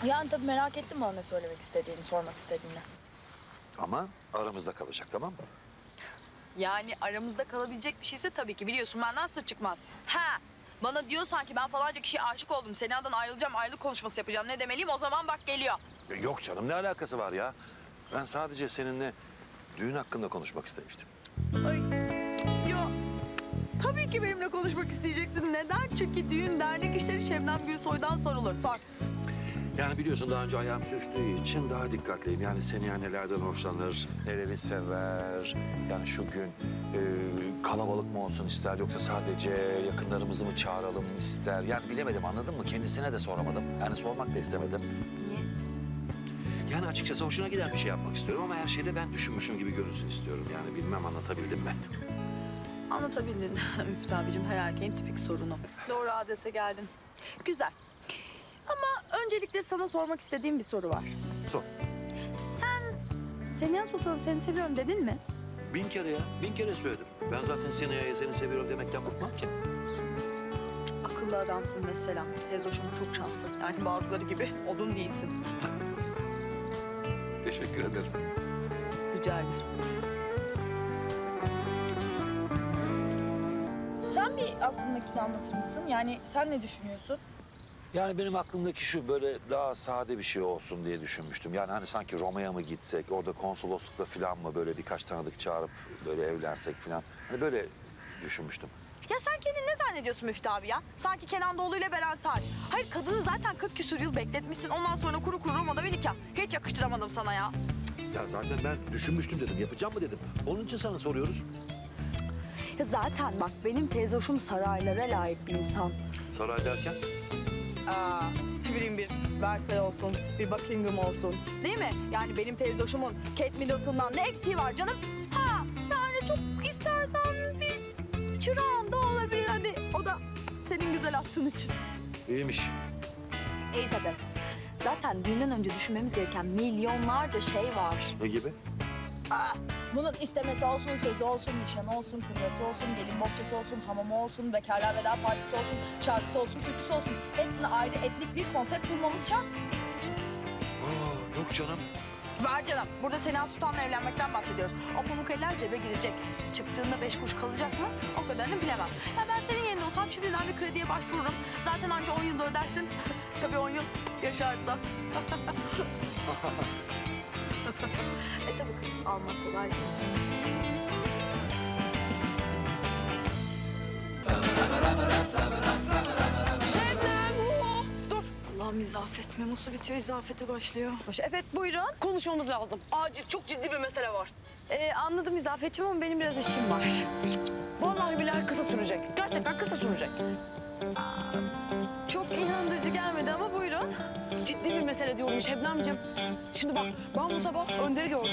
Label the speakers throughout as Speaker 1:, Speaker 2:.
Speaker 1: Yani tabii merak ettim bana ne söylemek istediğini, sormak istediğini.
Speaker 2: Ama aramızda kalacak, tamam mı?
Speaker 1: Yani aramızda kalabilecek bir şeyse tabii ki biliyorsun benden sır çıkmaz. Ha, bana diyor sanki ben falanca kişiye aşık oldum. Sena'dan ayrılacağım, ayrılık konuşması yapacağım. Ne demeliyim o zaman bak geliyor.
Speaker 2: Yok canım, ne alakası var ya? Ben sadece seninle düğün hakkında konuşmak istemiştim.
Speaker 1: Ay, ya tabii ki benimle konuşmak isteyeceksin. Neden? Çünkü düğün dernek işleri Şebnem Gülsoy'dan sorulur. Sor.
Speaker 2: Yani biliyorsun daha önce ayağım sürçtüğü için daha dikkatliyim. Yani Seniha nelerden hoşlanır, neleri sever. Yani şu gün kalabalık mı olsun ister yoksa sadece yakınlarımızı mı çağıralım ister. Yani bilemedim, anladın mı? Kendisine de soramadım. Yani sormak da istemedim.
Speaker 1: Niye?
Speaker 2: Yani açıkçası hoşuna giden bir şey yapmak istiyorum ama her şeyde ben düşünmüşüm gibi görünsün istiyorum. Yani bilmem anlatabildim mi?
Speaker 1: Anlatabildin Müftü abicim, her erkeğin tipik sorunu. Doğru adrese geldin. Güzel. Ama öncelikle sana sormak istediğim bir soru var.
Speaker 2: Sor.
Speaker 1: Sen Seniha Sultan'ım seni seviyorum dedin mi?
Speaker 2: 1000 kere ya, 1000 kere söyledim. Ben zaten Seniha'ya seni seviyorum demekten bıkmam ki.
Speaker 1: Akıllı adamsın mesela. Teyzoşum çok şanslı. Yani bazıları gibi odun değilsin.
Speaker 2: Teşekkür ederim.
Speaker 1: Rica ederim. Sen bir aklındakini anlatır mısın? Yani sen ne düşünüyorsun?
Speaker 2: Yani benim aklımdaki şu, böyle daha sade bir şey olsun diye düşünmüştüm. Yani hani sanki Roma'ya mı gitsek, orada konsoloslukla falan mı böyle birkaç tanıdık çağırıp böyle evlensek falan. Hani böyle düşünmüştüm.
Speaker 1: Ya sen kendini ne zannediyorsun Müftü abi ya? Sanki Kenan Doğulu ile Beren Saat. Hayır kadını zaten 40 küsur yıl bekletmişsin. Ondan sonra kuru kuru Roma'da bir nikah. Hiç yakıştıramadım sana ya.
Speaker 2: Ya zaten ben düşünmüştüm dedim, yapacağım mı dedim. Onun için sana soruyoruz.
Speaker 1: Ya zaten bak benim teyzoşum saraylara layık bir insan.
Speaker 2: Saray derken?
Speaker 1: Ne bileyim bir Versailles olsun, bir Buckingham olsun. Değil mi? Yani benim teyzoşumun Kate Middleton'dan ne eksiği var canım? Ha yani çok istersen bir çırağın da olabilir. Hadi o da senin güzel aşkın için.
Speaker 2: İyiymiş.
Speaker 1: İyi tabii. Zaten düğünden önce düşünmemiz gereken milyonlarca şey var.
Speaker 2: Ne gibi?
Speaker 1: Bunun istemesi olsun, sözü olsun, nişanı olsun, kırması olsun, gelin bohçası olsun, hamamı olsun, bekarlar veda partisi olsun, şarkısı olsun, türküsü olsun. Hepsine ayrı etnik bir konsept kurmamız şart.
Speaker 2: Yok canım.
Speaker 1: Var canım. Burada Sena Sultan'la evlenmekten bahsediyoruz. O pamuk eller cebe girecek. Çıktığında 5 kuruş kalacak mı? O kadarını bilemem. Ya ben senin yerinde olsam şimdiden bir krediye başvururum. Zaten anca 10 yılda ödersin. Tabii 10 yıl yaşarsan. Tabii kız almak kolay değil. Şebnem! Dur! Allah'ım izafet. Memosu bitiyor, izafete başlıyor. Evet buyurun.
Speaker 3: Konuşmamız lazım. Acil, çok ciddi bir mesele var.
Speaker 1: Anladım izafetçim ama benim biraz işim var.
Speaker 3: Vallahi billahi kısa sürecek. Gerçekten kısa sürecek.
Speaker 1: Çok inandırıcı gelmedi ama buyurun.
Speaker 3: Ciddi bir mesele diyorum Şebnemciğim. Şimdi bak, ben bu sabah Önder'i gördüm.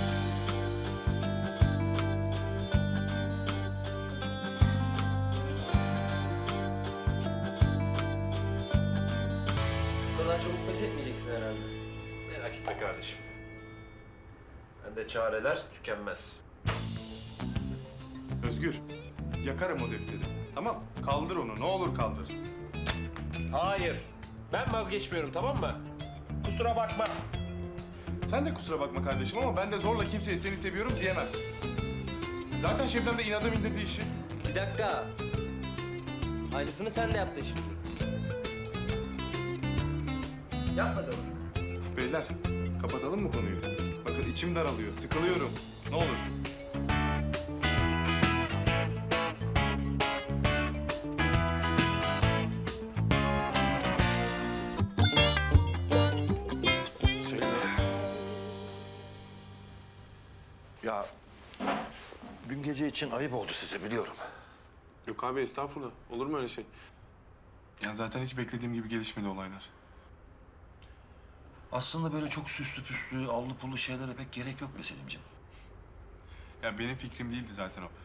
Speaker 4: Bu kadar çabuk pes etmeyeceksin herhalde.
Speaker 5: Merak etme kardeşim. Bende çareler tükenmez.
Speaker 6: Özgür, yakarım o defteri. Tamam, kaldır onu. Ne olur kaldır.
Speaker 5: Hayır. Ben vazgeçmiyorum, tamam mı? Kusura bakma.
Speaker 6: Sen de kusura bakma kardeşim ama ben de zorla kimseye seni seviyorum diyemem. Zaten Şebnem de inada bindirdi işi.
Speaker 4: Bir dakika. Aynısını sen de yaptın şimdi. Yapmadın mı?
Speaker 6: Beyler, kapatalım mı konuyu? Bakın içim daralıyor, sıkılıyorum. Ne olur.
Speaker 2: Ya dün gece için ayıp oldu size, biliyorum.
Speaker 6: Yok abi, estağfurullah. Olur mu öyle şey? Ya zaten hiç beklediğim gibi gelişmedi olaylar.
Speaker 2: Aslında böyle çok süslü püslü, allı pullu şeylere pek gerek yok be Selimciğim.
Speaker 6: Ya benim fikrim değildi zaten o.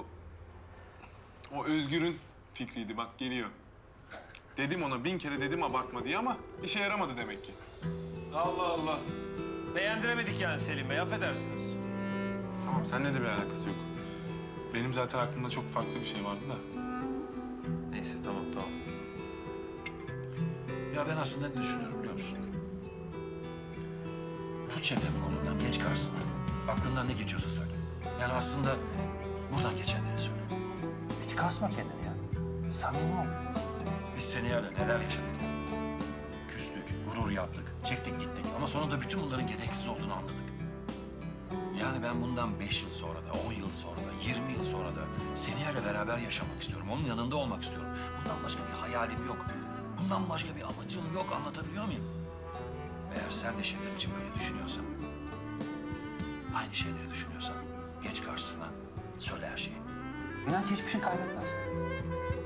Speaker 6: O Özgür'ün fikriydi, bak geliyor. Dedim ona 1000 kere dedim abartma diye ama işe yaramadı demek ki.
Speaker 5: Allah Allah. Beğendiremedik yani Selim Bey, affedersiniz.
Speaker 6: Tamam, seninle de bir alakası yok. Benim zaten aklımda çok farklı bir şey vardı da.
Speaker 5: Neyse, tamam.
Speaker 2: Ya ben aslında ne düşünüyorum biliyor musun? Tut Şebnem'in kolundan, geç karşısına. Aklından ne geçiyorsa söyle. Yani aslında buradan geçenleri söyle. Hiç kasma kendini ya. Samimi ol. Biz Seniya'yla neler yaşadık. Küstük, gurur yaptık, çektik gittik. Ama sonunda bütün bunların gereksiz olduğunu anladık. Yani ben bundan 5 yıl sonra da, 10 yıl sonra da, 20 yıl sonra da Seniya'yla beraber yaşamak istiyorum. Onun yanında olmak istiyorum. Bundan başka bir hayalim yok. Bundan başka bir amacım yok. Anlatabiliyor muyum? Eğer sen de Şebnem için böyle düşünüyorsan, aynı şeyleri düşünüyorsan geç karşısına, söyle her şeyi. İnan hiçbir şey kaybetmezsin.